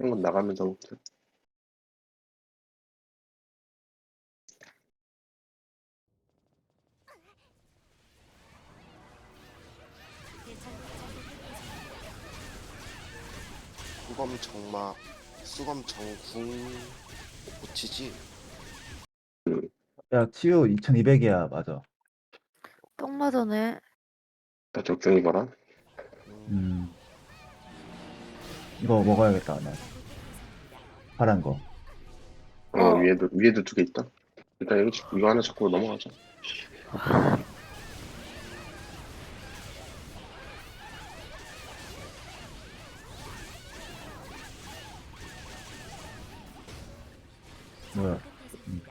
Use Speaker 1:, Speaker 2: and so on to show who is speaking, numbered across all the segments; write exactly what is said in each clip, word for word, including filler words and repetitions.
Speaker 1: 한번 나가면서
Speaker 2: 수검 정마, 수검 정궁 고치지?
Speaker 3: 야, 치유 이천이백이야, 맞아.
Speaker 4: 똥 맞아네.
Speaker 1: 다 적중히 봐라.
Speaker 2: 음,
Speaker 3: 음. 이거 먹어야겠다, 나. 파란 거.
Speaker 1: 어,
Speaker 4: 어.
Speaker 1: 위에도 위에도 두 개 있다. 일단 여기 이거 하나 잡고 넘어가자.
Speaker 3: 뭐야. 음.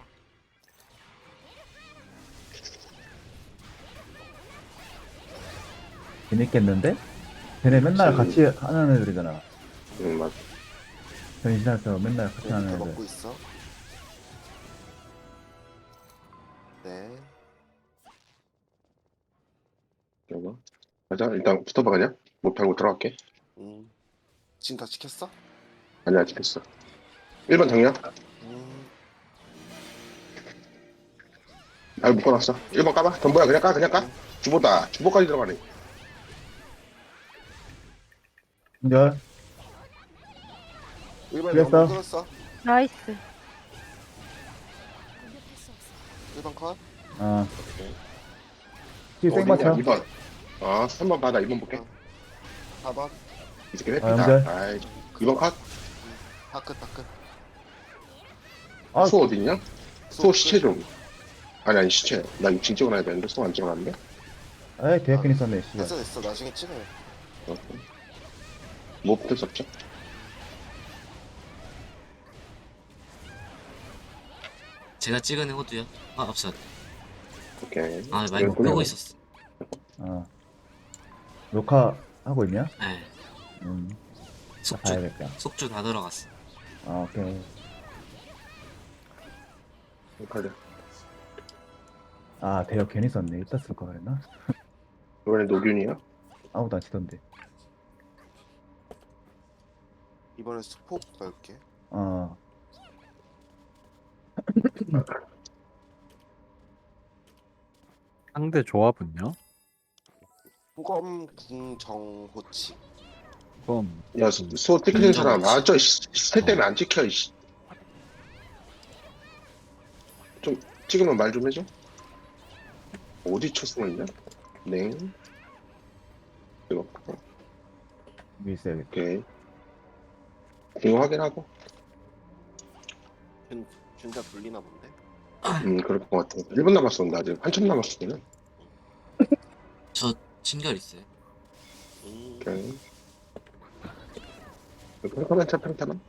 Speaker 3: 재밌겠는데? 걔네 맨날 같이 하는 애들이잖아.
Speaker 1: 응 맞아.
Speaker 3: 변신해서 맨날 같이
Speaker 2: 네,
Speaker 3: 하는
Speaker 2: 밑에
Speaker 3: 애들.
Speaker 2: 먹고 있어. 네.
Speaker 1: 이거 가자. 일단 붙어봐 그냥. 못하고 들어갈게.
Speaker 2: 음, 지금 다 시켰어?
Speaker 1: 아니야 찍혔어. 일 번 정렬.
Speaker 2: 음,
Speaker 1: 아 묶어놨어. 일 번 까봐. 전부야 그냥 까 그냥 까. 주보다 주보까지 들어가네.
Speaker 3: 근데
Speaker 2: 일 번에
Speaker 3: 그랬어?
Speaker 2: 한번 끊었어.
Speaker 4: 나이스.
Speaker 2: 일 번 컷.
Speaker 3: 어. 치유 생 맞춰.
Speaker 1: 이 번. 아 삼 번 받아. 이 번 볼게.
Speaker 2: 사 번.
Speaker 1: 이 새끼
Speaker 3: 아,
Speaker 1: 회피다.
Speaker 3: 연결.
Speaker 1: 아이 이 번 컷.
Speaker 2: 다끝, 다끝.
Speaker 3: 아,
Speaker 1: 수 어딨냐? 수 시체 좀. 아니 아니 시체. 나 이거 징 찍어놔야 되는데 수 안 찍어놨는데.
Speaker 3: 에이, 대학균 있었네, 씨발.
Speaker 2: 됐어, 됐어. 나중에 찍어요.
Speaker 1: 어. 뭐 붙을 수 없죠?
Speaker 5: 제가 찍은 호두요? 아 없어.
Speaker 1: 오케이.
Speaker 5: 아 마이크
Speaker 1: 그랬구나.
Speaker 5: 끄고 있었어.
Speaker 3: 어. 녹화하고 있냐?
Speaker 5: 네.
Speaker 3: 음.
Speaker 5: 속주
Speaker 3: 봐야겠다.
Speaker 5: 속주 다 들어갔어.
Speaker 3: 아, 오케이.
Speaker 1: 가자.
Speaker 3: 아, 대학 괜히 썼네. 이따 쓸 거 그랬나?
Speaker 1: 이번에 노균이야?
Speaker 3: 아무도 안 치던데.
Speaker 2: 이번엔 스포 넣을게.
Speaker 3: 어.
Speaker 6: 상대 조합은요?
Speaker 2: 수검 궁 정호치.
Speaker 6: 그럼
Speaker 1: 야, 수, 수 찍히는 사람. 아, 저, 스탯 때문에 안 찍혀, 이씨. 좀, 찍으면 말 좀 해줘. 어디 초승을 있냐? 네. 이거, 어,
Speaker 3: 위에 있어야겠다.
Speaker 1: 오케이. 이거 확인하고.
Speaker 2: 균, 균자 불리나 본데?
Speaker 1: 음, 그럴 것 같아. 일 분 남았어, 나 아직. 한참 남았어, 그냥.
Speaker 5: 저 친결 있어요.
Speaker 2: 음,
Speaker 1: 오케이. 평타만 차, 평타만.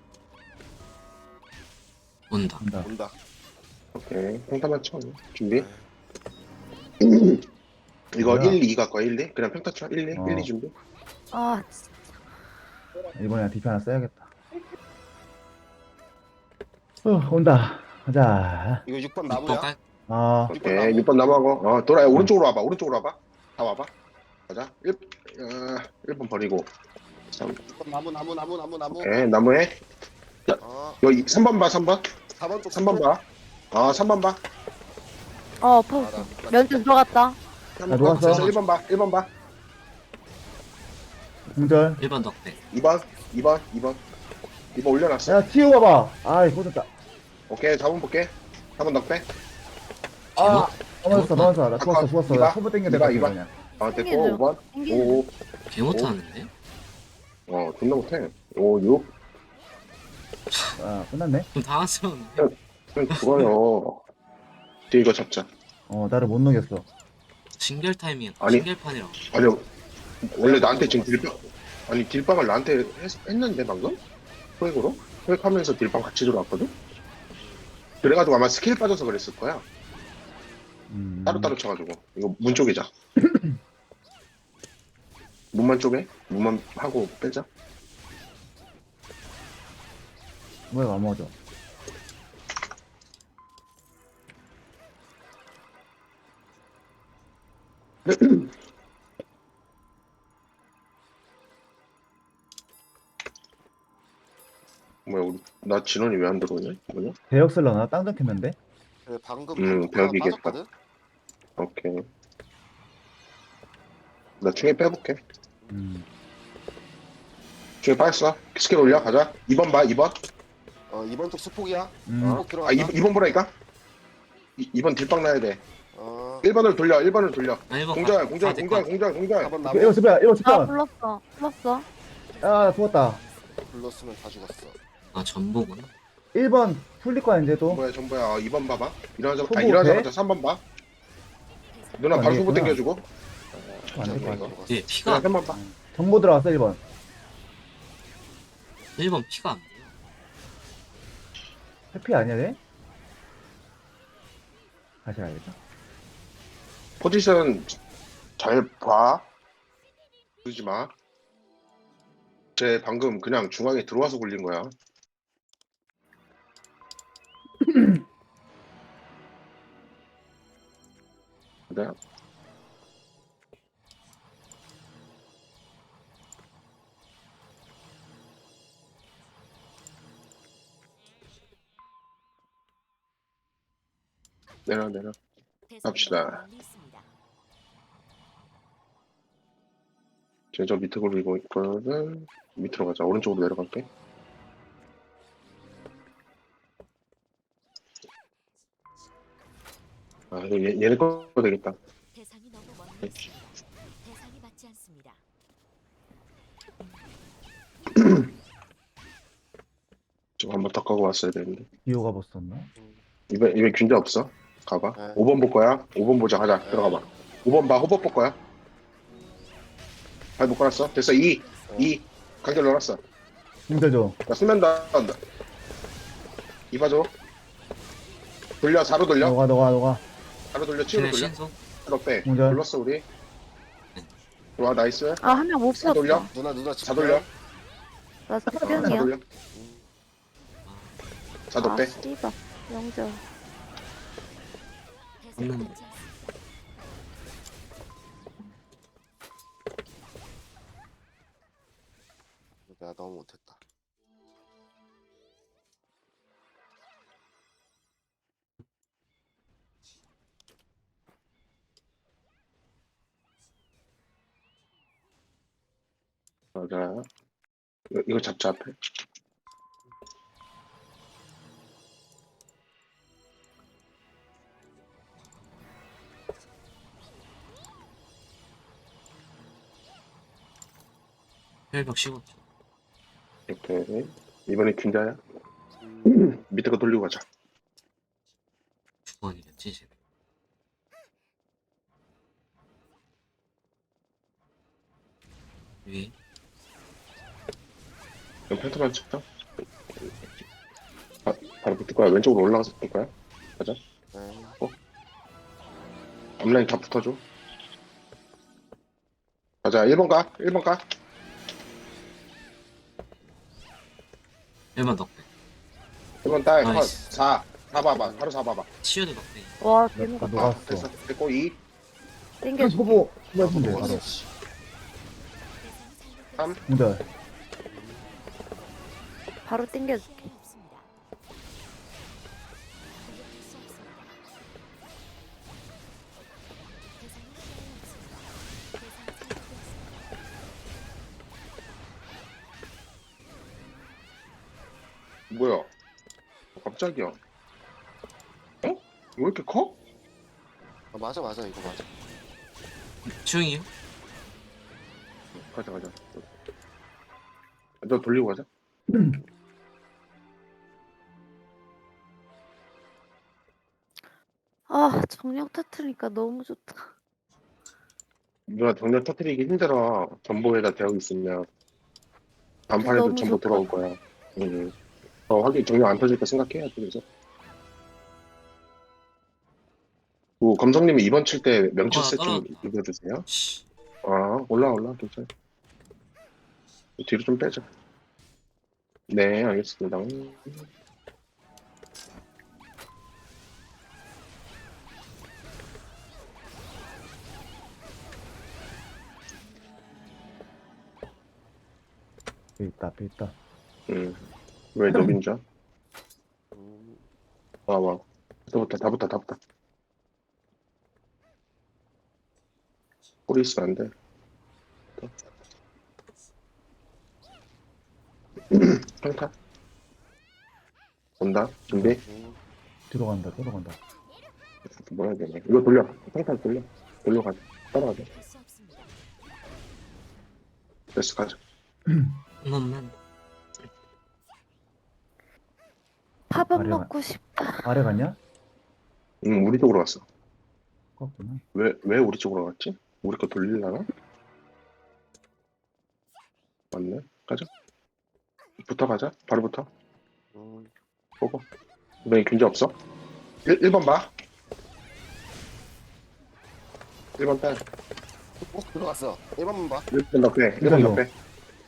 Speaker 5: 온다.
Speaker 3: 간다.
Speaker 2: 온다.
Speaker 1: 오케이. 평타만 쳐. 준비.
Speaker 2: 네.
Speaker 1: 이거
Speaker 3: 뭐야?
Speaker 1: 일, 이 갖고 와, 일, 이. 그냥 평타 쳐. 일, 이.
Speaker 3: 어.
Speaker 1: 일, 이 준비.
Speaker 4: 아, 진짜.
Speaker 3: 이번에 디피 하나 써야겠다. 어, 온다. 가자.
Speaker 2: 이거 육 번
Speaker 5: 육 번
Speaker 2: 나무야?
Speaker 5: 깔.
Speaker 3: 아,
Speaker 1: 오케이. 육 번 남아고. 어, 돌아요. 오른쪽으로 와봐. 오른쪽으로 와봐. 다 와봐. 가자. 일, 어, 일 번 버리고. 삼.
Speaker 2: 육 번 나무, 나무, 나무, 나무, 나무.
Speaker 1: 오케이. 나무에.
Speaker 2: 어,
Speaker 1: 여기 삼 번 봐, 삼 번.
Speaker 2: 사 번 쪽.
Speaker 1: 삼 번 봐. 아, 삼 번 봐.
Speaker 4: 어, 퍼졌어. 면접 들어갔다.
Speaker 3: 나 녹았어.
Speaker 1: 일 번 봐, 일 번 봐.
Speaker 3: 공절.
Speaker 5: 일 번 덕대.
Speaker 1: 이 번, 이 번, 이 번. 이 번 올려놨어.
Speaker 3: 야, 치유 가봐. 아이, 꽂았다.
Speaker 1: 오케이, 사 번 볼게. 사 번 넉배.
Speaker 3: 아, 넘어졌어, 넘어졌어. 나
Speaker 1: 아까
Speaker 3: 죽었어, 죽었어.
Speaker 1: 이봐,
Speaker 3: 나 소부 땡겨야
Speaker 1: 이봐,
Speaker 3: 될것
Speaker 1: 이봐.
Speaker 3: 같아, 그냥.
Speaker 1: 아, 됐고,
Speaker 4: 땡기죠.
Speaker 1: 오 번.
Speaker 4: 땡기죠.
Speaker 1: 오,
Speaker 5: 개 못하는데?
Speaker 1: 어, 존나 못해. 오, 육.
Speaker 3: 아, 끝났네.
Speaker 5: 그럼 당황스러운데.
Speaker 1: 그냥 죽어요. 뒤에 이거 잡자.
Speaker 3: 어, 나를 못 녹였어.
Speaker 5: 친결 타이밍.
Speaker 1: 아니.
Speaker 5: 친결판이라고.
Speaker 1: 아니, 원래 나한테 지금 딜빵, 아니, 딜빵을 나한테 했, 했는데, 방금? 포획으로? 포획하면서 딜빵 같이 들어왔거든? 그래가지고 아마 스킬 빠져서 그랬을 거야.
Speaker 3: 음.
Speaker 1: 따로따로 쳐가지고. 이거 문 쪽이자. 문만 쪽에? 문만 하고 빼자.
Speaker 3: 뭐야, 안 먹어져.
Speaker 1: 나 진원이 왜 안 들어오냐? 뭐냐?
Speaker 3: 대역 쓸려나? 땅좀 캤는데?
Speaker 2: 그래, 방금
Speaker 1: 음,
Speaker 2: 방금 하나
Speaker 1: 벽이겠다.
Speaker 2: 빠졌거든.
Speaker 1: 오케이. 나 중에 빼볼게.
Speaker 3: 음.
Speaker 1: 중에 빠졌어. 스킬 올려, 가자. 이 번 봐, 이 번.
Speaker 2: 어 이번 쪽 수폭이야.
Speaker 3: 음.
Speaker 2: 수폭
Speaker 1: 아,
Speaker 2: 들어갔다.
Speaker 1: 이, 이 번 보라니까? 이, 이 번 딜빵 나야 돼.
Speaker 2: 어
Speaker 1: 일 번을 돌려, 일 번을 돌려.
Speaker 5: 아, 일번
Speaker 1: 공절,
Speaker 5: 가-
Speaker 1: 공절,
Speaker 5: 가도 될것
Speaker 1: 공절,
Speaker 5: 같아.
Speaker 1: 공절, 공절.
Speaker 2: 사 번
Speaker 3: 오케이, 이거
Speaker 2: 나무.
Speaker 3: 습이야 이거
Speaker 4: 아
Speaker 3: 습이야.
Speaker 4: 불렀어 불렀어.
Speaker 3: 아 죽었다.
Speaker 2: 불렀으면 다 죽었어.
Speaker 5: 아, 전보구나.
Speaker 3: 일 번 풀릴 거야 이제 또.
Speaker 1: 전부야, 전부야. 어, 이 번 봐봐. 일어나자마자, 아,
Speaker 3: 소보
Speaker 1: 일어나자마자
Speaker 3: 돼?
Speaker 1: 삼 번 봐. 누나
Speaker 3: 안
Speaker 1: 바로 소보
Speaker 3: 되겠구나.
Speaker 1: 당겨주고.
Speaker 3: 안 될 거야.
Speaker 2: 죽었어.
Speaker 5: 예, 피가 안
Speaker 1: 삼 번 봐.
Speaker 3: 정보 들어갔어 일 번.
Speaker 5: 일 번 피가 안 돼요.
Speaker 3: 해피 아니야 돼? 다시 가야겠다.
Speaker 1: 포지션 잘 봐. 그러지 마. 쟤 방금 그냥 중앙에 들어와서 굴린 거야. 그래? 내려 내려. 갑시다. 쟤저 밑에 굴리고 있거든. 밑으로 가자. 오른쪽으로 내려갈게. 아 이거 얘, 얘네 거 되겠다.
Speaker 7: 대상이 너무 멀리 있습니다. 대상이 맞지 않습니다.
Speaker 1: 좀 한번 더 까고 왔어야 되는데.
Speaker 3: 기호가 벗었나?
Speaker 1: 이번 이번 균자 없어. 가봐.
Speaker 2: 네.
Speaker 1: 오 번 볼 거야. 오 번 보자. 가자.
Speaker 2: 네.
Speaker 1: 들어가봐. 오 번 봐. 호법 볼 거야. 발못 깔았어. 됐어. 이. 이. 간결 넣었어.
Speaker 3: 힘들 줘.
Speaker 1: 나 수면 다 이 봐줘. 돌려. 사로 돌려.
Speaker 3: 너가 너가 너가.
Speaker 1: 사로 돌려. 치우로
Speaker 5: 쟤네
Speaker 1: 돌려.
Speaker 5: 신속.
Speaker 1: 사로 빼.
Speaker 3: 공절.
Speaker 1: 불렀어 우리. 좋아. 나이스.
Speaker 4: 아 한 명 못
Speaker 1: 사 돌려.
Speaker 4: 풀었어.
Speaker 2: 누나 누나
Speaker 1: 사 돌려.
Speaker 4: 나
Speaker 1: 사
Speaker 4: 스피언이야.
Speaker 1: 돌려. 사도
Speaker 4: 아
Speaker 1: 빼.
Speaker 4: 씨발 영절.
Speaker 7: 대상이
Speaker 5: 음.
Speaker 7: 맞지 않습니다.
Speaker 2: 내가 너무 못했다.
Speaker 1: 맞아. 이거, 이거 잡자 앞에.
Speaker 5: 혈벽 십오 초.
Speaker 1: 이렇게. 이번에 균자야.
Speaker 2: 음,
Speaker 1: 밑에 거 돌리고 가자.
Speaker 5: 두 번이겠지, 쟤네. 위에.
Speaker 1: 그럼 펜트만 쳤다. 바, 바로 붙을 거야. 왼쪽으로 올라가서 붙을 거야. 가자.
Speaker 2: 네.
Speaker 1: 앞라인 다 붙어줘. 가자. 일 번 가. 일 번 가.
Speaker 5: 일 번 넉배.
Speaker 1: 일 번 딸. 컷.
Speaker 5: 나이스.
Speaker 1: 사. 사 봐봐. 바로 사 봐봐.
Speaker 5: 치유도 넉배.
Speaker 4: 와
Speaker 3: 나
Speaker 4: 대박.
Speaker 1: 아,
Speaker 3: 녹았어.
Speaker 1: 됐어. 됐고 이.
Speaker 4: 땡겨.
Speaker 3: 소보 소보 했으면 돼.
Speaker 2: 먹었어.
Speaker 3: 바로.
Speaker 2: 씨.
Speaker 1: 삼.
Speaker 3: 공절.
Speaker 4: 바로 땡겨줄게.
Speaker 7: 피해 없습니다. 공격할 수 없습니다. 대상이 피해 없습니다. 대상이 잘못되었습니다.
Speaker 1: 뭐야? 어, 갑자기야. 어? 왜 이렇게 커?
Speaker 2: 아, 맞아 맞아 이거 맞아.
Speaker 5: 추잉이요?
Speaker 1: 가자 가자. 너 돌리고 가자.
Speaker 4: 아 정력 터트리니까 너무 좋다.
Speaker 1: 누나 정렬 터트리기 힘들어. 전보에다 대고 있으면 단판에도
Speaker 4: 너무
Speaker 1: 전보
Speaker 4: 좋다.
Speaker 1: 돌아올 거야. 응. 어, 하긴 정렬 안 터질까 생각해야지. 그래서. 그 검성님이 이번 칠 때 명치
Speaker 5: 아,
Speaker 1: 세트 좀
Speaker 5: 떨어졌다.
Speaker 1: 입어주세요.
Speaker 5: 씨.
Speaker 1: 아, 올라 올라 괜찮아. 뒤로 좀 빼자. 네, 알겠습니다.
Speaker 3: 앞에 있다 앞에 있다.
Speaker 1: 음. 왜 노빈자? 와, 와. 다 붙다, 다 붙다, 다 붙다. 꼬리 있으면 안 돼. 평타. 온다. 준비.
Speaker 2: 음,
Speaker 3: 들어간다, 들어간다.
Speaker 1: 뭐라 해야 되냐. 이거 돌려. 평타 돌려. 돌려가자. 따라가자.
Speaker 7: 할수 없습니다.
Speaker 1: 됐어, 가자.
Speaker 5: 한 번만.
Speaker 4: 밥은
Speaker 3: 아래가-
Speaker 4: 먹고 싶다.
Speaker 3: 아래 갔냐?
Speaker 1: 응, 우리 쪽으로 갔어.
Speaker 3: 꺾구나.
Speaker 1: 왜, 왜 우리 쪽으로 갔지? 우리 거 돌리려나? 맞네. 가자. 붙어가자. 바로 붙어.
Speaker 2: 음.
Speaker 1: 보고. 이번엔 균제 없어? 일, 일 번 봐. 일 번 딸.
Speaker 2: 어, 들어갔어. 일 번만 봐.
Speaker 1: 일 번 더 빼. 일 번 더 빼.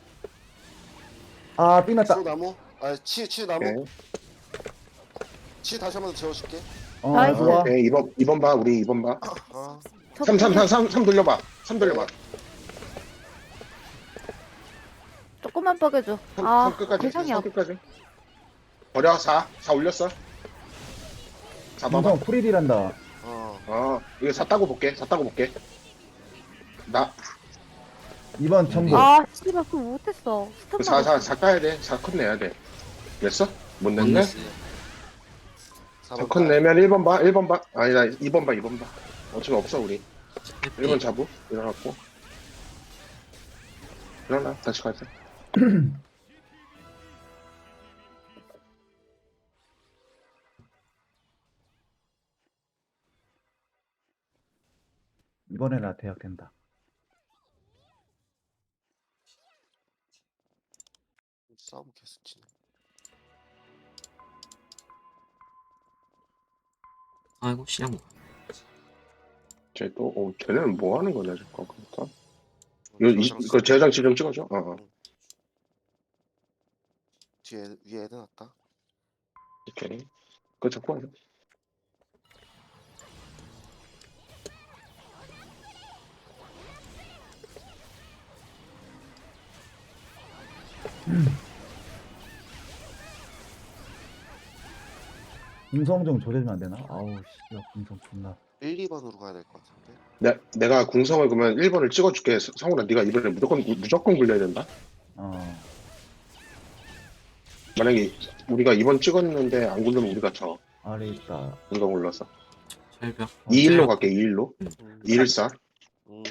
Speaker 3: 아, 삥났다.
Speaker 2: 치유나무. 아, 치, 치유나무.
Speaker 1: 오케이.
Speaker 2: 치 다시 한 번 더 재워줄게.
Speaker 3: 어,
Speaker 4: 나이스.
Speaker 3: 좋아.
Speaker 1: 오케이. 이 번, 이 번 봐. 우리 이 번 봐.
Speaker 2: 아,
Speaker 1: 삼, 삼, 삼, 삼, 삼 돌려봐. 삼 돌려봐.
Speaker 4: 조금만 뻐겨줘.
Speaker 1: 삼,
Speaker 4: 아,
Speaker 1: 삼 끝까지.
Speaker 4: 대상이
Speaker 1: 삼
Speaker 4: 없.
Speaker 1: 끝까지. 버려. 사. 사 올렸어. 사 봐봐.
Speaker 3: 인성 프리딜한다.
Speaker 2: 어.
Speaker 1: 어, 이거 사 따고 볼게. 사 따고 볼게. 나,
Speaker 3: 이번 전부.
Speaker 4: 아, 씨발 그거 못했어. 스톱
Speaker 1: 그 사, 사, 사 까야 돼. 사 컷 내야 돼. 냈어? 못
Speaker 5: 못
Speaker 1: 냈네?
Speaker 5: 냈어요.
Speaker 2: 사
Speaker 1: 사
Speaker 2: 번
Speaker 1: 컷
Speaker 2: 딸.
Speaker 1: 내면 일 번 봐. 일 번 봐. 아니다. 이 번 봐. 이 번 봐. 어차피 없어, 우리. 일 번 잡고. 일어났고. 일어나. 다시 가자.
Speaker 3: 이번에 나 대학 된다.
Speaker 2: 싸움 계속 치네.
Speaker 5: 아이고 시장 뭐.
Speaker 1: 쟤 또, 어, 쟤네는 뭐 하는 거냐, 잠깐. 그러니까. 이거, 이, 이거 제장치 좀 찍어줘. 어, 어.
Speaker 2: 뒤에 위에 애들 할까?
Speaker 1: 오케이. 그거 잡고 하자.
Speaker 3: 공성 좀 조져주면 안 되나? 아우, 씨, 공성 존나.
Speaker 2: 일, 이 번으로 가야 될 것 같은데.
Speaker 1: 내, 내가 궁성을 그러면 일 번을 찍어줄게. 서- 성훈아, 네가 이번에 무조건, 무조건 굴려야 된다.
Speaker 3: 어,
Speaker 1: 만약에 우리가 이 번 찍었는데 안 굴르면 우리가 져.
Speaker 3: 아래 있다.
Speaker 1: 우리가 굴러서.
Speaker 5: 철벽.
Speaker 1: 이 일로 갈게, 이 일로.
Speaker 2: 음,
Speaker 1: 이 일 사.
Speaker 2: 음.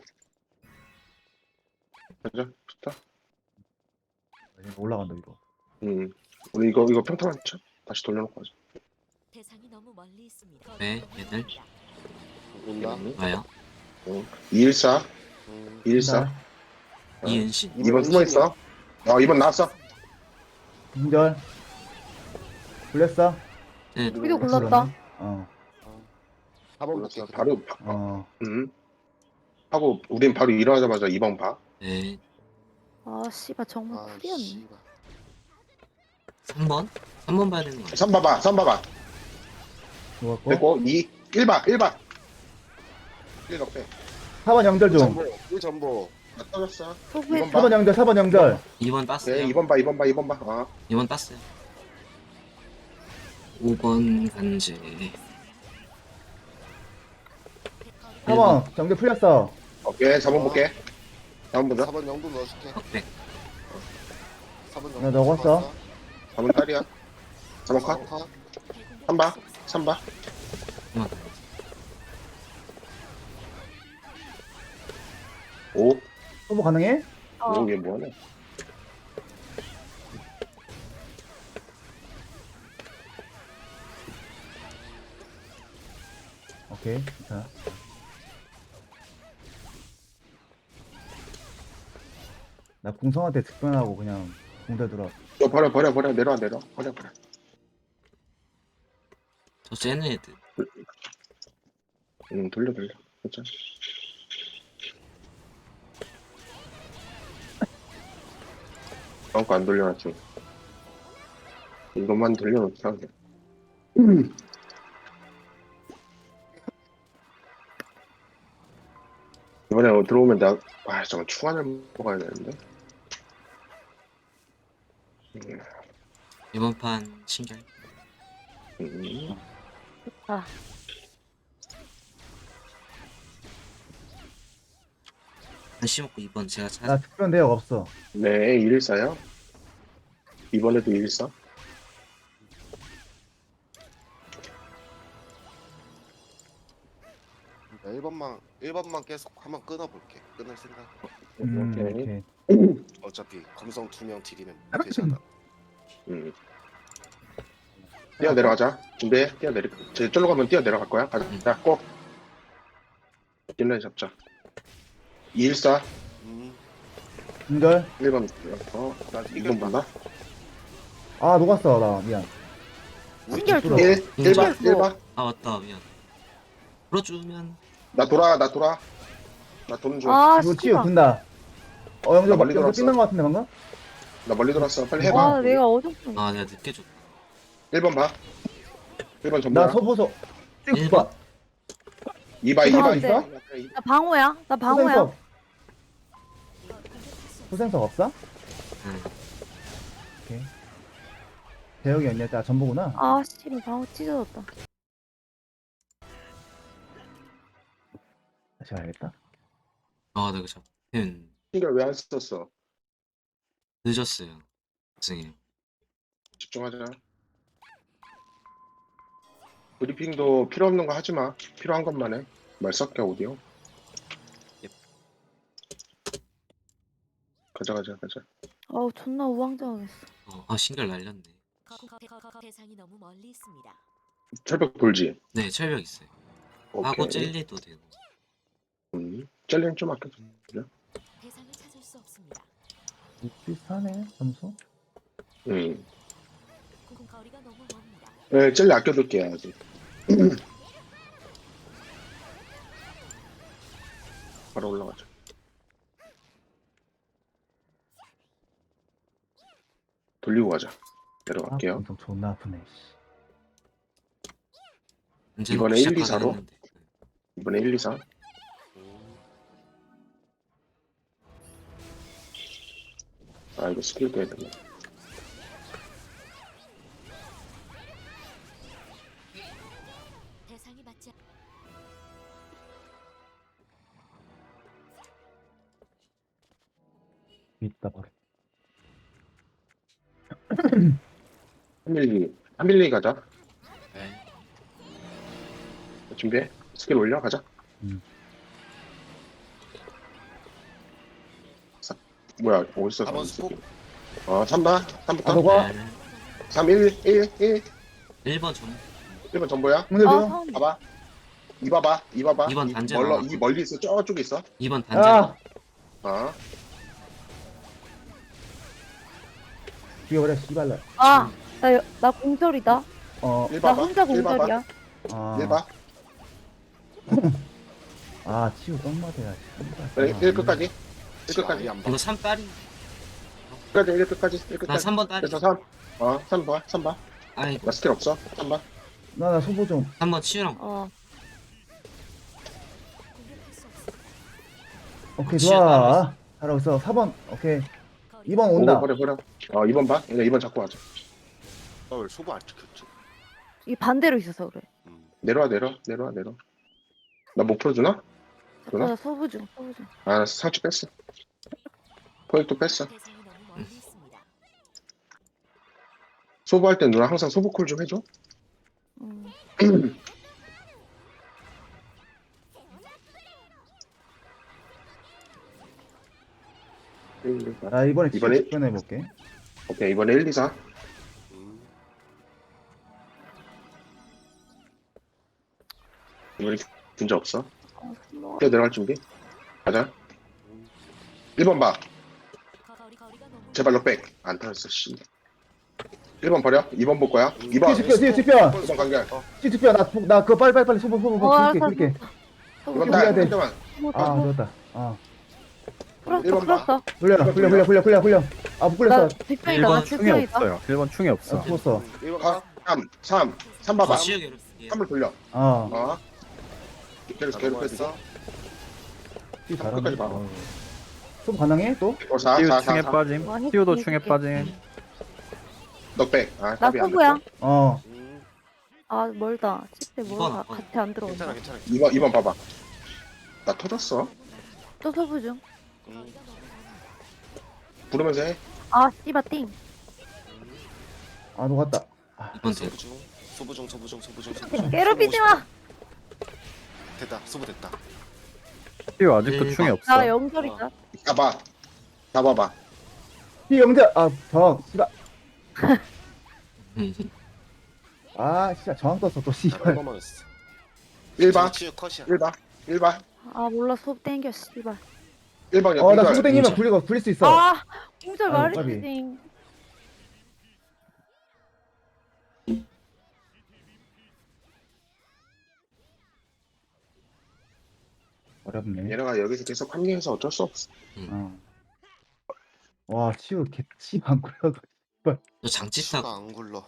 Speaker 1: 가자. 좋다.
Speaker 3: 이거 올라간다, 이거.
Speaker 1: 음. 우리 이거, 이거 평타만 쳐. 다시 돌려놓고 하자.
Speaker 7: 대상이 너무 멀리 있습니다.
Speaker 5: 네, 얘들.
Speaker 2: 온다.
Speaker 1: 음.
Speaker 5: 와요.
Speaker 1: 이 일 사.
Speaker 2: 음.
Speaker 1: 이 일 사. 어.
Speaker 5: 이은신.
Speaker 1: 이 번 숨어있어. 어, 이 번 나왔어.
Speaker 3: 인절. 굴렸어?
Speaker 5: 네.
Speaker 4: 우리도 굴렀다.
Speaker 3: 어,
Speaker 2: 사 번 볼게.
Speaker 1: 그래서 바로,
Speaker 3: 어.
Speaker 1: 음. 하고, 우린 바로 일어나자마자 이 번 봐.
Speaker 5: 네.
Speaker 4: 아, 씨발 정말
Speaker 2: 아,
Speaker 4: 쿨이었네.
Speaker 2: 씨발.
Speaker 5: 삼 번? 삼 번 봐야 되는 거 아니야?
Speaker 1: 삼 봐봐, 삼 봐봐.
Speaker 3: 좋았고.
Speaker 1: 됐고, 이, 일 봐, 일 봐. 일 넣게.
Speaker 3: 사 번 연결 좀.
Speaker 2: 전보. 이 전보.
Speaker 1: 나 터졌어.
Speaker 4: 소부했
Speaker 1: 이번
Speaker 3: 사 번 연결, 사 번 연결.
Speaker 5: 이 번
Speaker 1: 네,
Speaker 5: 땄어요.
Speaker 1: 이 번 봐, 이 번 봐, 이 번 봐. 어.
Speaker 5: 이 번 땄어요. 오 번 간제.
Speaker 3: 사 번 연결 풀렸어.
Speaker 1: 오케이, 사 번 볼게. 사 번 보자.
Speaker 2: 사 번 영도 넣어줄게.
Speaker 5: 넉백.
Speaker 2: 사 번
Speaker 3: 나 넣었어.
Speaker 1: 사 번 딸이야. 사 번 컷.
Speaker 2: 컷.
Speaker 1: 삼 봐, 삼 봐.
Speaker 5: 그만.
Speaker 1: 오,
Speaker 3: 소모 가능해?
Speaker 4: 어.
Speaker 1: 오, 얘 뭐하네.
Speaker 3: 오케이. 자. 나 궁성한테 직변하고 그냥 공대 들어.
Speaker 1: 너 버려, 버려, 버려. 내려와, 내려와. 버려, 버려.
Speaker 5: 저 쟤네 애들.
Speaker 1: 응, 돌려, 돌려. 괜찮아. 다음 거안 돌려놨지. 이것만 돌려놓자. 이번에 들어오면 나, 아, 잠깐 충환을 먹어야 되는데. 음,
Speaker 5: 이번 판 신결.
Speaker 1: 음.
Speaker 5: 한시 먹고 이번 제가
Speaker 3: 나
Speaker 5: 찾아.
Speaker 3: 특별 대역 없어.
Speaker 1: 네, 일일사요. 이번에도 일일사.
Speaker 2: 일 번만 일 번만 계속 한번 끊어볼게. 끊을 생각.
Speaker 3: 음,
Speaker 1: 오케이.
Speaker 3: 오케이.
Speaker 2: 어차피 검성 두 명 딜이면 되잖아.
Speaker 1: 음. 뛰어 내려가자. 준비해. 뛰어 내려. 제 쫄로 가면 뛰어 내려갈 거야. 가자.
Speaker 5: 음.
Speaker 1: 자, 꼭. 뒷라인 잡자. 이일사.
Speaker 2: 음.
Speaker 3: 인절.
Speaker 1: 일 번. 어, 나 이 번 본다.
Speaker 3: 아, 녹았어. 나 미안.
Speaker 4: 신결 줘.
Speaker 3: 뚫어.
Speaker 1: 일, 일 번,
Speaker 4: 신결
Speaker 1: 일 번.
Speaker 5: 아 맞다 미안. 풀어주면
Speaker 1: 나 돌아, 나 돌아. 나 도는 중.
Speaker 4: 아,
Speaker 3: 이거 치유
Speaker 4: 씨발.
Speaker 3: 든다. 어, 영절
Speaker 1: 나 멀리
Speaker 3: 영절
Speaker 1: 돌았어.
Speaker 3: 삐난 것 같은데 방금?
Speaker 1: 나 멀리 돌았어. 빨리 해봐.
Speaker 4: 아, 내가 어정쩡.
Speaker 5: 아 내가 늦게 줬다.
Speaker 1: 일 번 봐. 일 번 전부야.
Speaker 3: 나 소보소.
Speaker 5: 일
Speaker 3: 일
Speaker 5: 번?
Speaker 3: 번.
Speaker 1: 이 봐, 이 봐, 이
Speaker 3: 있어?
Speaker 1: 봐.
Speaker 4: 나 방어야. 나 방어야.
Speaker 3: 후생석. 후생석 없어?
Speaker 5: 응.
Speaker 3: 오케이. 대역이 언니야. 나 전보구나.
Speaker 4: 아, 씨발 방어 찢어졌다.
Speaker 3: 다시 가야겠다.
Speaker 5: 아 내가 잡힌
Speaker 1: 신경 왜안 썼어?
Speaker 5: 늦었어요. 선생님.
Speaker 1: 집중하자. 브리핑도 필요 없는 거 하지 마. 필요한 것만 해. 말 섞여, 오디오. 가자, 가자, 가자.
Speaker 4: 아우, 존나 우왕좌왕했어.
Speaker 5: 어, 아 신결 날렸네.
Speaker 7: 거- 거- 거- 거- 대상이 너무 멀리 있습니다.
Speaker 1: 철벽 돌지.
Speaker 5: 네 철벽 있어요. 하고 젤리도 되고.
Speaker 1: 음, 젤리는 좀 아껴.
Speaker 7: 대상을 찾을 수 없습니다.
Speaker 3: 비슷하네, 점수.
Speaker 1: 음.
Speaker 7: 공- 거리가 너무 멉니다.
Speaker 1: 네, 젤리 아껴둘게, 아직. 바로 올라가자. 돌리고 가자.
Speaker 3: 아,
Speaker 1: 내려갈게요.
Speaker 3: 엄청 존나 아프네. 씨.
Speaker 5: 언제나
Speaker 1: 이번에 일, 이,
Speaker 5: 시작하긴
Speaker 1: 사로?
Speaker 5: 했는데.
Speaker 1: 이번에 일, 이, 사. 아, 이거 스킬 빼야 되네.
Speaker 7: 대상이 맞지 않-
Speaker 3: 있다 버려.
Speaker 1: 한밀리, 한밀리 가자.
Speaker 5: 네.
Speaker 1: 준비해. 스킬 올려, 가자.
Speaker 3: 음.
Speaker 1: 사, 뭐야, 어딨어?
Speaker 2: 사 번 스포.
Speaker 1: 어, 삼 번,
Speaker 3: 아,
Speaker 1: 삼부터.
Speaker 3: 너가
Speaker 5: 네.
Speaker 1: 삼, 일, 일, 일.
Speaker 5: 일 번 전.
Speaker 1: 일 번 전보야.
Speaker 3: 문제
Speaker 4: 아,
Speaker 3: 줘.
Speaker 4: 상
Speaker 1: 봐봐. 이 봐봐. 이 봐봐.
Speaker 5: 이 번
Speaker 1: 이
Speaker 5: 단제
Speaker 1: 멀러,
Speaker 5: 나와.
Speaker 1: 이 멀리 있어. 저쪽에 있어.
Speaker 5: 이 번 단제.
Speaker 3: 아,
Speaker 1: 어.
Speaker 3: 죽여버려, 씨발라.
Speaker 4: 아, 나, 여- 나 공절이다.
Speaker 3: 어,
Speaker 1: 일
Speaker 4: 나
Speaker 1: 봐봐.
Speaker 4: 혼자
Speaker 1: 일 봐봐.
Speaker 4: 공절이야.
Speaker 3: 아,
Speaker 1: 일 봐.
Speaker 3: 아, 치유 똥마대야.
Speaker 1: 그래, 일 끝까지. 일 끝까지.
Speaker 2: 아예 안 봐.
Speaker 5: 이거 삼 딸이.
Speaker 1: 끝까지, 일 끝까지. 일
Speaker 5: 나
Speaker 1: 끝까지.
Speaker 5: 삼 번 딸이.
Speaker 1: 그래서 삼. 어, 삼 봐. 삼 봐.
Speaker 5: 아이고
Speaker 1: 나 스킬 없어. 삼 봐.
Speaker 3: 나, 나 소보 좀.
Speaker 5: 삼 번 치유랑.
Speaker 4: 어,
Speaker 7: 공격할 수 없습니다.
Speaker 3: 오케이,
Speaker 5: 치유 따로
Speaker 3: 좋아. 잘하고 있어. 사 번, 오케이.
Speaker 7: 거리-
Speaker 3: 이 번
Speaker 1: 오,
Speaker 3: 온다.
Speaker 1: 버려, 버려. 어, 이 번 봐. 이 번 잡고 가자.
Speaker 2: 어, 왜 소부 안 찍혔지?
Speaker 4: 이 반대로 있어서 그래.
Speaker 2: 음.
Speaker 1: 내려와, 내려. 내려와, 내려. 나 못 풀어주나?
Speaker 4: 어,
Speaker 1: 그러나?
Speaker 4: 나 소부 중, 소부 중.
Speaker 1: 아, 상처 뺐어. 포획도 뺐어.
Speaker 7: 대상이 너무 멀리 있습니다.
Speaker 1: 소부할 땐 누나 항상 소부콜 좀 해줘.
Speaker 4: 음.
Speaker 1: 일, 이, 사.
Speaker 3: 나 이번에 치유
Speaker 1: 이번에-
Speaker 3: 집중해볼게.
Speaker 1: 오케이, 이번에 일, 이, 사.
Speaker 2: 음.
Speaker 1: 이번에 문제 없어.
Speaker 4: 어, 뭐.
Speaker 1: 뛰어 내려갈 준비. 가자.
Speaker 2: 음.
Speaker 1: 일 번 봐.
Speaker 7: 거리- 거리가 너무
Speaker 1: 제발 너 백. 안 타였어, 씨. 일 번 버려. 이 번 볼 거야. 이 번.
Speaker 3: 치유 집중, 치유 집중.
Speaker 1: 이 번 간결.
Speaker 3: 치유 집중. 나, 나 그거 빨리, 빨리, 빨리 소보, 소보, 소보.
Speaker 4: 어,
Speaker 3: 그렇게,
Speaker 4: 알았어,
Speaker 3: 그렇게.
Speaker 4: 소부
Speaker 1: 이번
Speaker 4: 중.
Speaker 1: 딸.
Speaker 3: 해야 돼.
Speaker 1: 한 대만.
Speaker 4: 소부,
Speaker 3: 아,
Speaker 4: 소부.
Speaker 3: 좋았다. 아.
Speaker 1: 일
Speaker 4: 풀었어,
Speaker 1: 번 봐.
Speaker 4: 풀었어.
Speaker 3: 굴려, 굴려, 굴려, 굴려, 굴려, 굴려. 아, 못
Speaker 4: 나
Speaker 3: 굴렸어.
Speaker 4: 뒷편이다,
Speaker 6: 일
Speaker 4: 나
Speaker 6: 번 충이
Speaker 4: 뒷편이다.
Speaker 6: 없어요. 일 번 충이 없어.
Speaker 3: 아, 죽었어.
Speaker 2: 일 번
Speaker 1: 아,
Speaker 2: 가.
Speaker 1: 삼, 삼, 삼 봐봐.
Speaker 5: 아, 치유 괴롭히게.
Speaker 1: 삼을 돌려.
Speaker 3: 아,
Speaker 1: 어. 계속 괴롭혀주고.
Speaker 2: 넘어갔어.
Speaker 3: 치유
Speaker 1: 끝까지
Speaker 3: 잘하네.
Speaker 1: 봐.
Speaker 3: 어. 소보 가능해? 또?
Speaker 1: 어, 사,
Speaker 6: 치유
Speaker 1: 사,
Speaker 6: 충에
Speaker 1: 사, 사.
Speaker 6: 빠짐.
Speaker 4: 와,
Speaker 6: 치유도
Speaker 4: 해줄게,
Speaker 6: 충에
Speaker 4: 해줄게.
Speaker 6: 빠짐.
Speaker 1: 너 백. 아,
Speaker 4: 나
Speaker 1: 답이 안
Speaker 4: 소부야.
Speaker 1: 됐어.
Speaker 3: 어.
Speaker 2: 음.
Speaker 4: 아 멀다. 집에
Speaker 5: 이건
Speaker 4: 뭐가
Speaker 5: 안
Speaker 4: 같이 안
Speaker 2: 괜찮아
Speaker 4: 들어온다.
Speaker 2: 괜찮아.
Speaker 1: 이 번 이 번 봐봐. 나 터졌어.
Speaker 4: 또 소부 중.
Speaker 2: 음,
Speaker 1: 부르면서 해.
Speaker 4: 아 씨바 띵.
Speaker 3: 아 녹았다.
Speaker 5: 이번 대.
Speaker 2: 소부 중 소부 중 소부 중 소부 중 소부 중.
Speaker 4: 괴롭히지 마.
Speaker 2: 됐다 소부 됐다.
Speaker 6: 띠우 아직도
Speaker 5: 일
Speaker 6: 충이
Speaker 5: 번.
Speaker 6: 없어.
Speaker 4: 나 영절이다.
Speaker 1: 잡아. 잡아봐.
Speaker 3: 이 영자 아저 씨발. 아 씨발 저항 떴어 또
Speaker 2: 나
Speaker 3: 씨발.
Speaker 2: 일 번만 했어.
Speaker 1: 일 번.
Speaker 2: 치유 컷이야.
Speaker 1: 일 번. 일 번.
Speaker 4: 아 몰라 소부 땡겨 씨발.
Speaker 1: 일 번이야.
Speaker 3: 어나
Speaker 1: 공절.
Speaker 3: 수고 땡기면
Speaker 5: 공절.
Speaker 3: 굴리고 굴릴 수 있어.
Speaker 4: 아 공절
Speaker 3: 아유,
Speaker 4: 말했지
Speaker 3: 까비.
Speaker 4: 띵.
Speaker 3: 어렵네.
Speaker 1: 얘네가 여기서 계속 합류해서 어쩔 수 없어.
Speaker 3: 어. 와 치우 개치 안 굴려도.
Speaker 5: 너 장치타
Speaker 2: 치유가 안 굴러.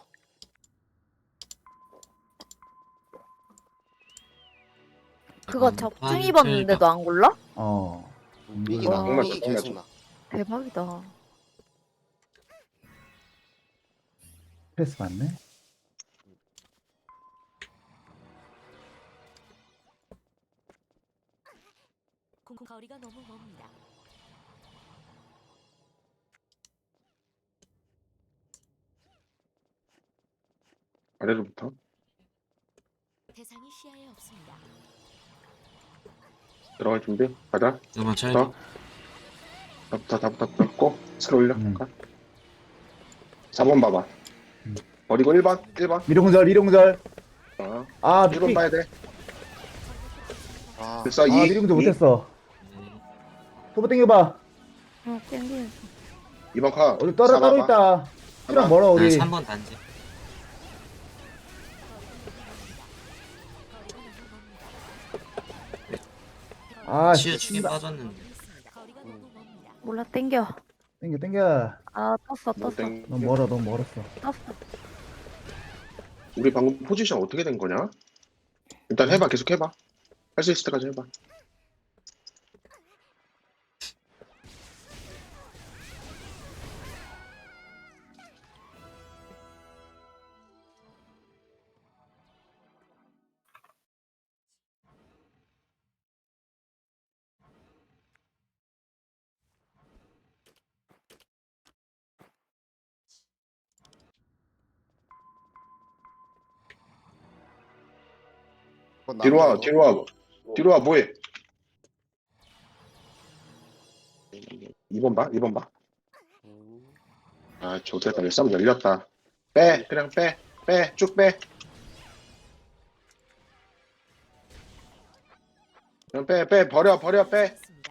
Speaker 4: 그거 적중 입었는데도 안 골라?
Speaker 3: 어.
Speaker 2: 삐기
Speaker 3: 와.
Speaker 2: 나.
Speaker 1: 정말
Speaker 2: 삐기
Speaker 1: 정말
Speaker 2: 계속 나.
Speaker 4: 대박이다.
Speaker 3: 패스 맞네.
Speaker 7: 공 거리가 너무 멉니다.
Speaker 1: 아래로부터.
Speaker 7: 대상이 시야에 없습니다.
Speaker 1: 들어갈 준비. 가자.
Speaker 5: 이번 차
Speaker 1: 더. 다부터 다부터 다부터 스킬 올려.
Speaker 3: 음.
Speaker 1: 가. 사 번 봐봐.
Speaker 3: 음.
Speaker 1: 버리고 일 번. 일 번.
Speaker 3: 미룡절 미룡절.
Speaker 1: 어.
Speaker 3: 아
Speaker 1: 일 번
Speaker 3: 미리.
Speaker 1: 봐야 돼.
Speaker 2: 아,
Speaker 1: 됐어.
Speaker 3: 아
Speaker 1: 이.
Speaker 3: 미룡절 못했어. 소부 땡겨봐.
Speaker 4: 어 땡기면서.
Speaker 1: 이 번 카.
Speaker 3: 우리 따로 따로 있다. 시랑 멀어 우리.
Speaker 5: 삼 번 단지.
Speaker 3: 아
Speaker 5: 치유 축에
Speaker 3: 씨발.
Speaker 5: 빠졌는데.
Speaker 7: 거리가 너무 멉니다.
Speaker 4: 몰라 땡겨.
Speaker 3: 땡겨 땡겨.
Speaker 4: 아 떴어 떴어
Speaker 1: 땡.
Speaker 3: 너무 멀어 너무 멀었어.
Speaker 4: 떴어.
Speaker 1: 우리 방금 포지션 어떻게 된 거냐? 일단 해봐. 계속 해봐. 할 수 있을 때까지 해봐.
Speaker 2: 그건
Speaker 1: 뒤로 와.
Speaker 2: 나무예요.
Speaker 1: 뒤로 와. 뒤로 와. 뭐해? 이 번 봐. 이 번 봐.
Speaker 2: 음,
Speaker 1: 아, 좋겠다. 열삼 열렸다. 빼. 그냥 빼. 빼. 쭉 빼. 그냥 빼. 빼. 버려. 버려. 빼.
Speaker 7: 없습니다.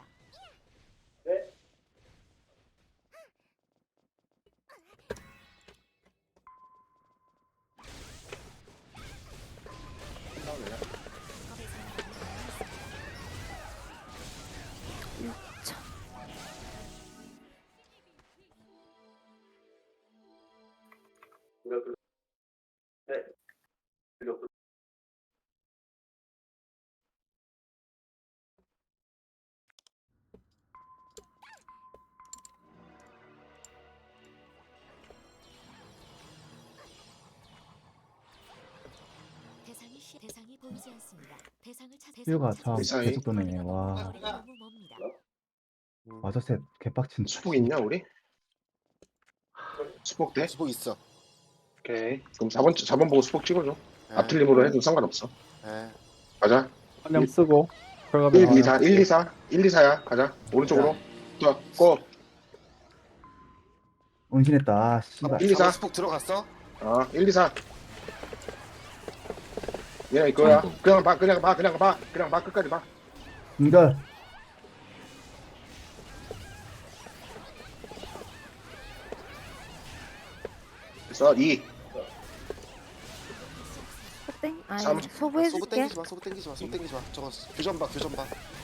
Speaker 7: 대상이 시 대상이 보이지 않습니다. 대상을 찾
Speaker 3: 치유가
Speaker 7: 대상을
Speaker 3: 참
Speaker 1: 대상이-
Speaker 3: 계속 도네. 와.
Speaker 7: 거리가 너무 멉니다.
Speaker 3: 맞아 셋 개빡친.
Speaker 1: 수복 있냐, 우리? 수복 돼?
Speaker 2: 수복 있어.
Speaker 1: 오케이. 그럼 사 번, 사 번 보고 수복 찍어줘.
Speaker 2: 네.
Speaker 1: 앞틀림으로 해도 상관없어.
Speaker 2: 네.
Speaker 1: 가자.
Speaker 6: 한명 쓰고. 결과면
Speaker 1: 일, 이, 사, 일, 이, 사. 일, 이, 사야. 가자. 오른쪽으로. 자, 고.
Speaker 3: 은신했다. 아 씨발.
Speaker 1: 일, 이, 사.
Speaker 2: 사 번 수복 들어갔어?
Speaker 1: 아, 일, 이, 사. 얘가 이거야.
Speaker 5: 아이고.
Speaker 1: 그냥 봐, 그냥 봐, 그냥 봐. 그냥 봐, 끝까지 봐.
Speaker 3: 공절.
Speaker 1: 됐어, 이.
Speaker 4: 땡? 아니
Speaker 1: 삼.
Speaker 4: 소부
Speaker 2: 소부
Speaker 4: 해줄게.
Speaker 2: 땡기지 마. 소부 땡기지 마. 소부 땡기지 마. 저거 교전 봐. 교전 봐.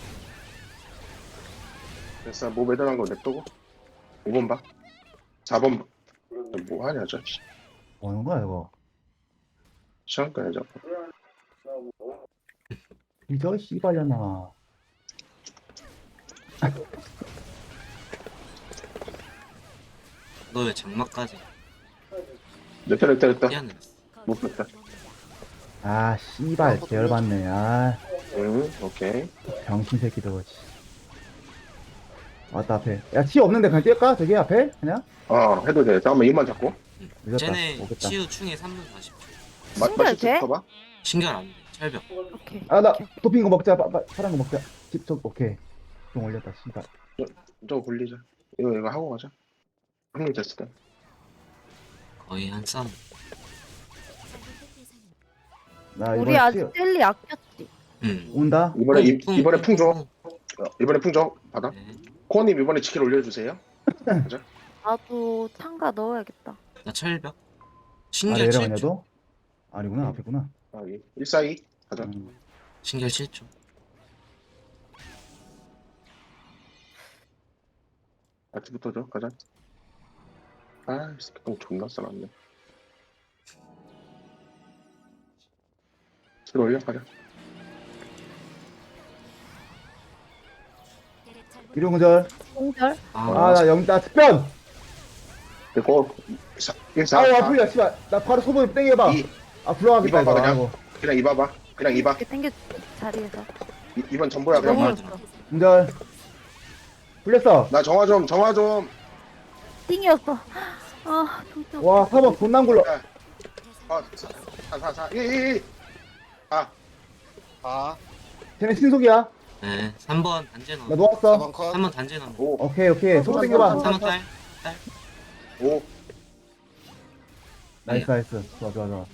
Speaker 1: 됐어, 뭐 매달한 거 냅두고. 오 번 봐. 사 번 봐. 뭐 하냐, 저. 씨.
Speaker 3: 뭐 하는 거야 이거?
Speaker 1: 시간 꺼야죠.
Speaker 3: 이저 씨발려나.
Speaker 5: 너 왜 장막까지
Speaker 1: 몇 대, 몇 대, 몇 대.
Speaker 5: 뛰어내렸어?
Speaker 1: 못 뺐다.
Speaker 3: 아 씨발 개열받네. 아
Speaker 1: 응, 오케이.
Speaker 3: 병신 새끼도. 씨. 왔다 앞에. 야 치 없는데 그냥 뛸까? 저기 앞에 그냥?
Speaker 1: 어, 해도 돼. 잠깐만, 입만 잡고.
Speaker 3: 늦었다.
Speaker 5: 쟤네
Speaker 3: 오겠다.
Speaker 5: 치유 충에 삼 분 사십 초.
Speaker 1: 마,
Speaker 4: 신결
Speaker 1: 마실 수
Speaker 4: 돼?
Speaker 1: 있어봐.
Speaker 5: 신결 안 돼. 철벽.
Speaker 4: 오케이.
Speaker 3: 아 나
Speaker 4: 오케이.
Speaker 3: 도핑 거 먹자. 빠, 빠, 파란 거 먹자. 집좀 오케이. 좀 올렸다. 씨발.
Speaker 1: 저거 굴리자. 이거, 이거 하고 가자. 한명 됐을 때.
Speaker 5: 거의 한 싸움.
Speaker 7: 잘못된 대상입니다.
Speaker 3: 나
Speaker 4: 우리
Speaker 3: 이번에
Speaker 4: 아직
Speaker 3: 치
Speaker 4: 젤리 아꼈지.
Speaker 5: 응.
Speaker 3: 온다.
Speaker 1: 이번에, 이,
Speaker 5: 풍,
Speaker 1: 이번에
Speaker 5: 풍,
Speaker 1: 풍 줘.
Speaker 5: 풍.
Speaker 1: 어, 이번에 풍 줘. 받아.
Speaker 5: 네.
Speaker 1: 코어님 이번에 치킨 올려주세요.
Speaker 4: 나도 참가 넣어야겠다.
Speaker 5: 나 철벽.
Speaker 3: 아
Speaker 5: 신결 칠 초.
Speaker 3: 내려가냐도? 아니구나 앞에구나.
Speaker 1: 아, 일사이. 가자.
Speaker 3: 음.
Speaker 5: 신결 칠 초.
Speaker 1: 같이 붙어줘. 가자. 아, 이 새끼 똥 존나 싸놨네. 칠 올려. 가자.
Speaker 7: 대략 잘못-
Speaker 3: 일용절.
Speaker 4: 공절.
Speaker 5: 아,
Speaker 3: 아나 영, 나 특변.
Speaker 1: 그리고 일사.
Speaker 3: 아우 아프야 씨발. 나 바로 소문 땡겨봐.
Speaker 1: 이.
Speaker 3: 아 불러가겠다
Speaker 1: 이봐봐,
Speaker 3: 이거.
Speaker 1: 그냥.
Speaker 3: 아이고.
Speaker 1: 그냥 입어봐. 그냥 입어.
Speaker 4: 이렇게 당겨 자리에서.
Speaker 1: 이- 이번 전부야 그냥.
Speaker 4: 너무
Speaker 5: 맞아.
Speaker 4: 좋다.
Speaker 3: 공절. 불렸어.
Speaker 1: 나 정화 좀, 정화 좀.
Speaker 4: 띵이었어. 아 진짜.
Speaker 3: 와 사 번 존나 굴러.
Speaker 1: 아, 사, 사, 사, 일, 일, 일. 아,
Speaker 2: 사,
Speaker 3: 쟤네 신속이야.
Speaker 5: 네. 삼 번 단제
Speaker 3: 나
Speaker 5: 넣어.
Speaker 3: 놓았어.
Speaker 2: 사 번 컷.
Speaker 5: 삼 번 단제 넣어.
Speaker 1: 오,
Speaker 3: 오케이 오케이. 소문 땡겨봐.
Speaker 5: 삼 번 딸.
Speaker 1: 오.
Speaker 3: 나이스 나이스. 좋아 좋아 좋아.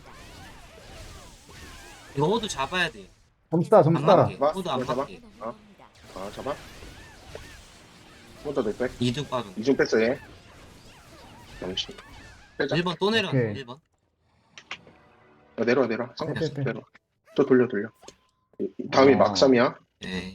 Speaker 5: 이거 호두 잡아야 돼.
Speaker 3: 점수 따 점수
Speaker 5: 안
Speaker 3: 따라.
Speaker 5: 맞게.
Speaker 1: 봐,
Speaker 5: 호두 안
Speaker 1: 이거 잡아.
Speaker 5: 맞게.
Speaker 1: 어? 아, 잡아. 혼자 될 백.
Speaker 5: 이등 빠져.
Speaker 1: 이중 뺐어, 얘. 영시. 빼자.
Speaker 5: 일 번 또 내려.
Speaker 3: 오케이.
Speaker 5: 일 번.
Speaker 1: 야, 내려와, 내려와. 상,
Speaker 3: 빼, 빼, 빼.
Speaker 1: 내려와. 또 돌려, 돌려. 이- 이 다음이
Speaker 3: 아.
Speaker 1: 막삼이야.
Speaker 5: 네.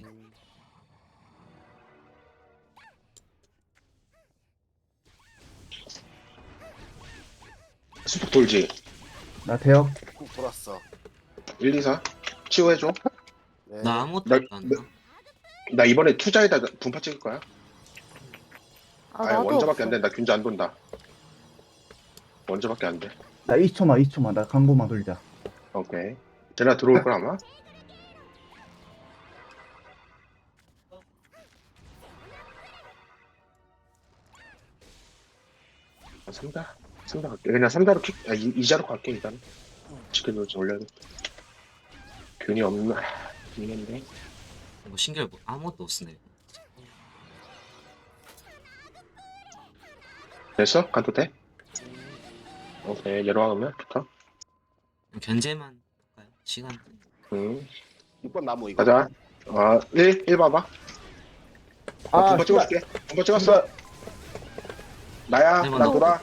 Speaker 1: 수폭 돌지.
Speaker 3: 나 대역.
Speaker 2: 꾹 돌았어.
Speaker 1: 일, 이, 사. 치유해줘.
Speaker 2: 네.
Speaker 5: 나 아무것도
Speaker 1: 나-
Speaker 5: 안 나.
Speaker 1: 나 이번에 투자에다 분파 찍을 거야.
Speaker 4: 아
Speaker 1: 아예
Speaker 4: 나도
Speaker 1: 원저밖에
Speaker 4: 없어.
Speaker 1: 안 돼. 나 균자 안 돈다. 원저밖에 안 돼.
Speaker 3: 나 이십 초만 이십 초만. 나 광고만 돌리자.
Speaker 1: 오케이. 쟤네 들어올 걸 아마. 아, 삼다. 삼다 갈게. 그냥 삼다로 킥, 아, 이, 이자로 갈게, 일단. 치킨을 좀 올려야 돼. 균이 없나. 있는데.
Speaker 5: 뭐 신결 뭐 아무것도 못 쓰네.
Speaker 1: 됐어? 가도 돼? 오케이. 내려가면 좋다.
Speaker 5: 견제만 할까요? 시간.
Speaker 1: 응.
Speaker 2: 육 번 나무 이거.
Speaker 1: 가자. 아, 일, 일 봐봐. 아,
Speaker 3: 아
Speaker 1: 분파 찍어줄게. 분파 찍었어. 나야.
Speaker 5: 네,
Speaker 1: 나
Speaker 5: 맞아.
Speaker 1: 돌아.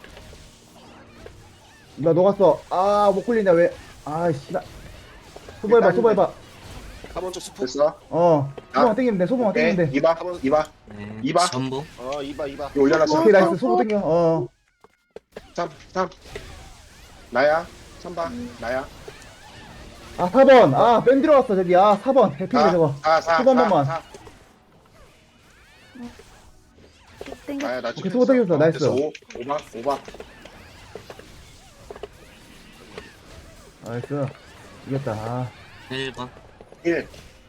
Speaker 3: 나 녹았어. 아 못 굴린다 왜? 아 씨발. 소보해봐
Speaker 1: 일단-
Speaker 3: 소보해봐.
Speaker 2: 사 번 쪽 스포.
Speaker 1: 됐어.
Speaker 3: 어. 소보만
Speaker 1: 아.
Speaker 3: 땡기면 돼. 소보만
Speaker 1: 오케이.
Speaker 3: 땡기면 돼.
Speaker 1: 이봐. 이봐.
Speaker 5: 네.
Speaker 1: 이봐.
Speaker 5: 전부.
Speaker 2: 어, 이봐, 이봐.
Speaker 1: 이거 올려놨어.
Speaker 3: 오케이 나이스. 소보 땡겨. 어.
Speaker 1: 삼, 삼. 나야. 삼 번. 나야.
Speaker 3: 아 사 번. 아 뺀 들어왔어 저기. 아 사 번. 해피네 저거.
Speaker 1: 사, 사,
Speaker 3: 소보 한
Speaker 1: 사,
Speaker 3: 번만.
Speaker 1: 사.
Speaker 4: 땡겨.
Speaker 1: 나야, 나
Speaker 3: 오케이,
Speaker 1: 지금
Speaker 3: 소보 땡겼어. 나이스.
Speaker 1: 됐어. 오, 오바, 오바.
Speaker 3: 나이스. 이겼다. 아.
Speaker 5: 일 번.
Speaker 1: 일.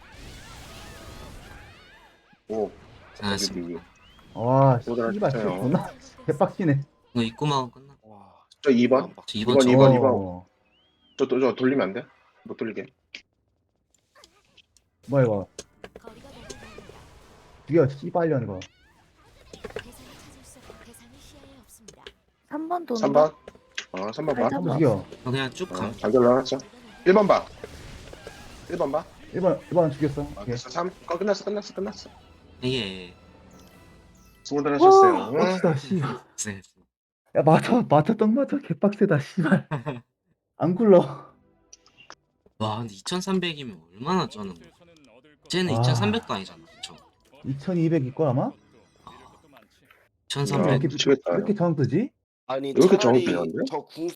Speaker 1: 오.
Speaker 5: 잘했습니다.
Speaker 3: 와
Speaker 1: 오늘
Speaker 3: 씨발
Speaker 1: 진짜요.
Speaker 3: 진짜 존나 개빡치네.
Speaker 5: 이거 입구만 끝나.
Speaker 2: 와.
Speaker 1: 저 이 번.
Speaker 5: 저 이번
Speaker 1: 이번,
Speaker 5: 저
Speaker 1: 이번.
Speaker 3: 어.
Speaker 1: 저, 저, 저 돌리면 안 돼? 못 돌리게.
Speaker 3: 뭐야 이거.
Speaker 7: 거리가 너무 멀다.
Speaker 3: 죽여 씨발년 이거.
Speaker 7: 대상을 찾을 수 없고 대상이 시야에 없습니다.
Speaker 4: 삼 번 도는
Speaker 1: 삼
Speaker 4: 거.
Speaker 1: 번. 어, 삼 번 봐.
Speaker 4: 알자.
Speaker 3: 한번 죽여.
Speaker 5: 어, 그냥 쭉
Speaker 1: 어,
Speaker 5: 가.
Speaker 1: 잘 돌려놨어. 일 번 봐. 일 번 봐.
Speaker 3: 일 번 일 번 죽였어.
Speaker 1: 아,
Speaker 3: 오케이.
Speaker 1: 됐어. 삼. 어, 끝났어, 끝났어, 끝났어.
Speaker 5: 예.
Speaker 1: 수고들 하셨어요. 응.
Speaker 3: 빡치다 씨.
Speaker 5: 네.
Speaker 3: 야 맞아 맞아 떡 맞아 개빡세다 씨발. 안 굴러.
Speaker 5: 와, 근데 이천삼백이면 얼마나 쩌는 거야? 쟤는
Speaker 3: 아.
Speaker 5: 이천삼백도 아니잖아. 그쵸?
Speaker 3: 이천이백 이걸 아마?
Speaker 5: 이천삼백.
Speaker 3: 이렇게
Speaker 1: 미치겠다.
Speaker 3: 이렇게 정뜨지?
Speaker 2: 아니,
Speaker 1: 왜 이렇게
Speaker 2: 차라리
Speaker 1: 정확해요, 근데?
Speaker 2: 저 궁